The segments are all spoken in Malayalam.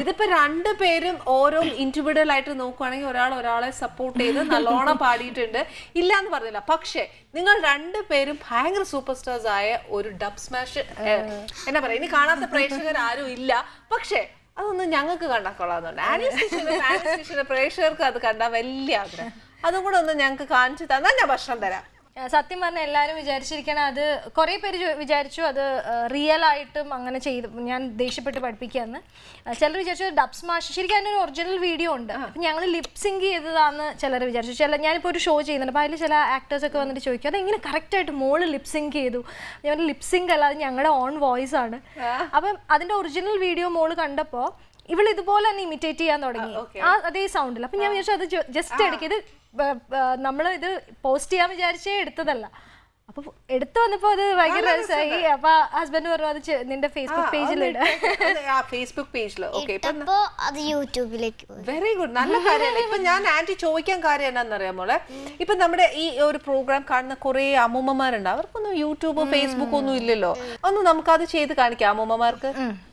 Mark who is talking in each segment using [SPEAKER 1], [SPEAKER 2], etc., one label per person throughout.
[SPEAKER 1] ഇതിപ്പോ രണ്ടുപേരും ഓരോ ഇൻഡിവിജ്വൽ ആയിട്ട് നോക്കുവാണെങ്കിൽ ഒരാളെ സപ്പോർട്ട് ചെയ്ത് നല്ലോണം പാടിയിട്ടുണ്ട്, ഇല്ല എന്ന് പറഞ്ഞില്ല. പക്ഷെ നിങ്ങൾ രണ്ടുപേരും ഭയങ്കര സൂപ്പർ സ്റ്റാർസ് ആയ ഒരു ഡബ് സ്മാഷ് എന്നാ പറയാ, ഇനി കാണാത്ത പ്രേക്ഷകർ ആരും ഇല്ല. പക്ഷെ അതൊന്നും ഞങ്ങൾക്ക് കണ്ടാൽ കൊള്ളാന്നുണ്ട്. ആനീസ് പ്രേക്ഷകർക്ക് അത് കണ്ടാൽ വലിയ ആഗ്രഹം. അതും കൂടെ ഒന്ന് ഞങ്ങൾക്ക് കാണിച്ചു തന്നാൽ ഞാൻ ഭക്ഷണം തരാം.
[SPEAKER 2] സത്യം പറഞ്ഞാൽ എല്ലാവരും വിചാരിച്ചിരിക്കണം, അത് കുറേ പേര് വിചാരിച്ചു അത് റിയൽ ആയിട്ടും അങ്ങനെ ചെയ്ത് ഞാൻ ദേഷ്യപ്പെട്ട് പഠിപ്പിക്കാന്ന്. ചിലർ വിചാരിച്ചു ഡബ് സ്മാഷ്, ശരിക്കും അതിനൊരു ഒറിജിനൽ വീഡിയോ ഉണ്ട്, അപ്പം ഞങ്ങൾ ലിപ്സിങ്ക് ചെയ്തതാന്ന് ചിലർ വിചാരിച്ചു. ഞാനിപ്പോൾ ഒരു ഷോ ചെയ്യുന്നുണ്ട്, അപ്പോൾ അതിൽ ചില ആക്ടേഴ്സൊക്കെ വന്നിട്ട് ചോദിക്കും അതെങ്ങനെ കറക്റ്റായിട്ട് മോള് ലിപ്സിങ്ക് ചെയ്തു. ഞാൻ ലിപ്സിങ്ക് അല്ല, അത് ഞങ്ങളുടെ ഓൺ വോയിസ് ആണ്. അപ്പം അതിൻ്റെ ഒറിജിനൽ വീഡിയോ മോള് കണ്ടപ്പോൾ ഇവൾ ഇതുപോലെ തന്നെ ഇമിറ്റേറ്റ് ചെയ്യാൻ തുടങ്ങി, അതേ സൗണ്ടിൽ. അപ്പം ഞാൻ വിചാരിച്ചു അത് ജസ്റ്റ് എടുക്കിയത് നമ്മൾ ഇത് പോസ്റ്റ് ചെയ്യാൻ വിചാരിച്ചേ എടുത്തതല്ല. അപ്പൊ എടുത്തു വന്നപ്പോ അത് ഭയങ്കര രസമായി. അപ്പൊ ഹസ്ബൻഡ് പറഞ്ഞു അത് നിന്റെ ഫേസ്ബുക്ക് പേജിലിട്.
[SPEAKER 1] ഫേസ്ബുക്ക് പേജില്
[SPEAKER 3] അത് യൂട്യൂബിലേക്ക്.
[SPEAKER 1] വെരി ഗുഡ്, നല്ല കാര്യമല്ലേ. ഇപ്പൊ ഞാൻ ആന്റി ചോദിക്കാൻ കാര്യം എന്നാന്നറിയാം മോളെ, ഇപ്പൊ നമ്മുടെ ഈ ഒരു പ്രോഗ്രാം കാണുന്ന കുറെ അമ്മൂമ്മമാരുണ്ട്, അവർക്കൊന്നും യൂട്യൂബ് ഫേസ്ബുക്ക് ഒന്നും ഇല്ലല്ലോ. ഒന്ന് നമുക്കത് ചെയ്ത് കാണിക്കാം അമ്മൂമ്മമാർക്ക്.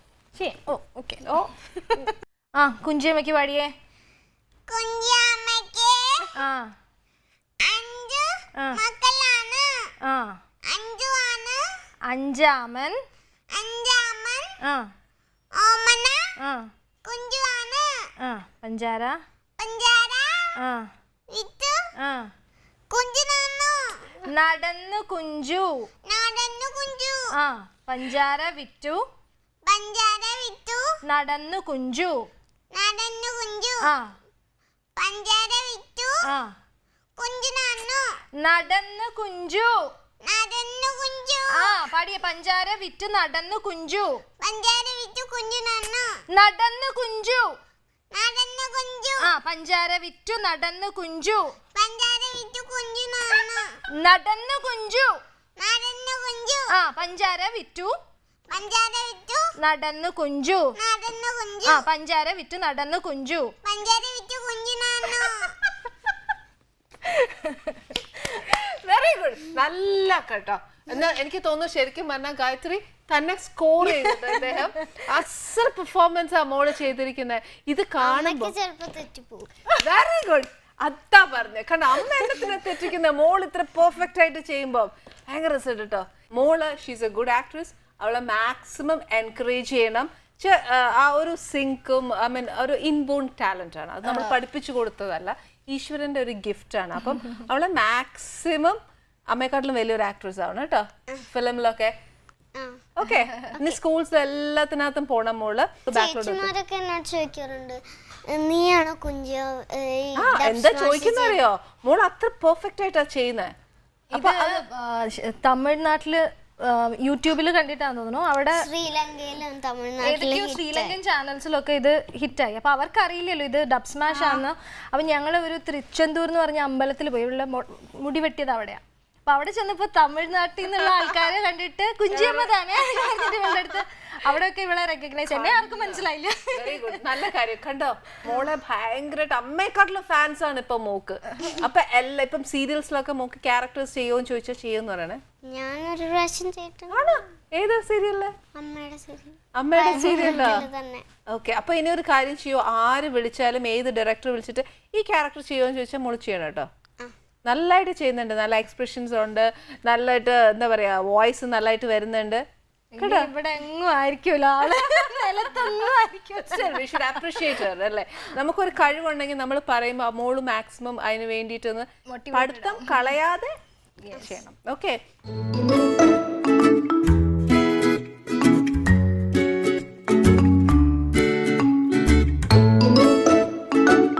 [SPEAKER 2] കുഞ്ചിയമ്മക്ക് പാടിയേ. അഞ്ചാമൻ പഞ്ചാര നടന്നു കുഞ്ചു പഞ്ചാര വിറ്റു നടന്നു കുഞ്ചു
[SPEAKER 3] പഞ്ചാര വിറ്റു
[SPEAKER 2] നടന്നു കുഞ്ചു പാടിയ പഞ്ചാര വിറ്റു നടന്നു കുഞ്ചു നടന്നു കുഞ്ചു പഞ്ചാര വിറ്റു നടന്നു കുഞ്ചു നടന്നു കുഞ്ചു പഞ്ചാര വിറ്റു നടന്നു കുഞ്ചു പഞ്ചാര വിറ്റു നടന്നു കുഞ്ചു.
[SPEAKER 1] വെരി ഗുഡ്, നല്ല കേട്ടോ. എന്നാ എനിക്ക് തോന്നുന്നു ശരിക്കും പറഞ്ഞാൽ ഗായത്രി തന്നെ സ്കോർ ചെയ്തത് അദ്ദേഹം അസൽ പെർഫോമൻസ് ആ മോള് ചെയ്തിരിക്കുന്നത്. ഇത് കാണുമ്പോ വെരി ഗുഡ്, അതാ പറഞ്ഞേ. കാരണം അമ്മ എണ്ണത്തിനെ തെറ്റിക്കുന്ന മോൾ ഇത്ര പെർഫെക്റ്റ് ആയിട്ട് ചെയ്യുമ്പോ ഭയങ്കര റിസൾട്ട് കേട്ടോ. മോള് ഷീസ് എ ഗുഡ് ആക്ട്രസ്, അവളെ മാക്സിമം എൻകറേജ് ചെയ്യണം. ആ ഒരു സിങ്കും ഐ മീൻ ഒരു ഇൻബോൺ ടാലന്റ് ആണ്, അത് നമ്മൾ പഠിപ്പിച്ചു കൊടുത്തതല്ല, ഈശ്വരന്റെ ഒരു ഗിഫ്റ്റ് ആണ്. അപ്പം അവളെ മാക്സിമം അമ്മയെക്കാട്ടിലും വലിയൊരു ആക്ട്രസ് ആണ് കേട്ടോ ഫിലിമിലൊക്കെ. ഓക്കെ, ഇനി സ്കൂൾസ് എല്ലാത്തിനകത്തും പോണം മോള്.
[SPEAKER 3] ചോദിക്കാറുണ്ട് നീയാണോ കുഞ്ചു,
[SPEAKER 1] എന്താ ചോദിക്കുന്ന അറിയോ, മോൾ അത്ര പെർഫെക്റ്റ് ആയിട്ടാ ചെയ്യുന്നത്.
[SPEAKER 2] അപ്പൊ തമിഴ്നാട്ടില് യൂട്യൂബിൽ കണ്ടിട്ടാന്ന് തോന്നുന്നു, അവിടെ ഏതൊക്കെയോ ശ്രീലങ്കൻ ചാനൽസിലൊക്കെ ഇത് ഹിറ്റായി. അപ്പൊ അവർക്ക് അറിയില്ലല്ലോ ഇത് ഡബ് സ്മാഷ് ആണെന്ന്. അപ്പൊ ഞങ്ങൾ ഒരു തിരുച്ചെന്തൂർ എന്ന് പറഞ്ഞ അമ്പലത്തിൽ പോയി, ഇവിടെ മുടി വെട്ടിയത് അവിടെയാ. അപ്പൊ അവിടെ ചെന്നപ്പോ തമിഴ്നാട്ടിൽ നിന്നുള്ള ആൾക്കാരെ കണ്ടിട്ട് കുഞ്ചിയമ്മ തന്നെ അടുത്ത് അവിടെയൊക്കെ ഇവളെ റെക്കഗ്നൈസ്, എന്നെ ആർക്കും മനസ്സിലായില്ല.
[SPEAKER 1] വെരി ഗുഡ്, നല്ല കാര്യം. കണ്ടോ മോളെ ഭയങ്കരമായിട്ട് അമ്മയെക്കാട്ടിലും ഫാൻസ് ആണ് ഇപ്പൊ മോക്ക്. അപ്പൊ എല്ലാം ഇപ്പം സീരിയൽസിലൊക്കെ മോക്ക് ക്യാരക്ടേഴ്സ് ചെയ്യുമെന്ന് ചോദിച്ചാൽ ചെയ്യുമെന്ന് പറയണേ.
[SPEAKER 3] ഞാനൊരു പ്രാവശ്യം ചെയ്തിട്ടുണ്ട്.
[SPEAKER 1] ഏതാ സീരിയലില്? അമ്മയുടെ സീരിയലാ. ഓക്കെ, അപ്പൊ ഇനി ഒരു കാര്യം ചെയ്യോ, ആര് വിളിച്ചാലും ഏത് ഡയറക്ടർ വിളിച്ചിട്ട് ഈ ക്യാരക്ടർ ചെയ്യുമെന്ന് ചോദിച്ചാൽ മോള് ചെയ്യണം കേട്ടോ. നല്ലതായിട്ട് ചെയ്യുന്നുണ്ട്, നല്ല എക്സ്പ്രഷൻസ് ഉണ്ട്, നല്ലതായിട്ട് എന്താ പറയാ വോയിസ് നല്ലതായിട്ട് വരുന്നുണ്ട്.
[SPEAKER 2] ഇവിടെ എങ്ങും ആയിരിക്കുമല്ലോ ആള്,
[SPEAKER 1] അല്ലേ? നമുക്കൊരു കഴിവുണ്ടെങ്കിൽ നമ്മൾ പറയുമ്പോൾ മോള് മാക്സിമം അതിന് വേണ്ടിയിട്ടൊന്ന് പഠിത്തം കളയാതെ ചെയ്യണം. ഓക്കെ.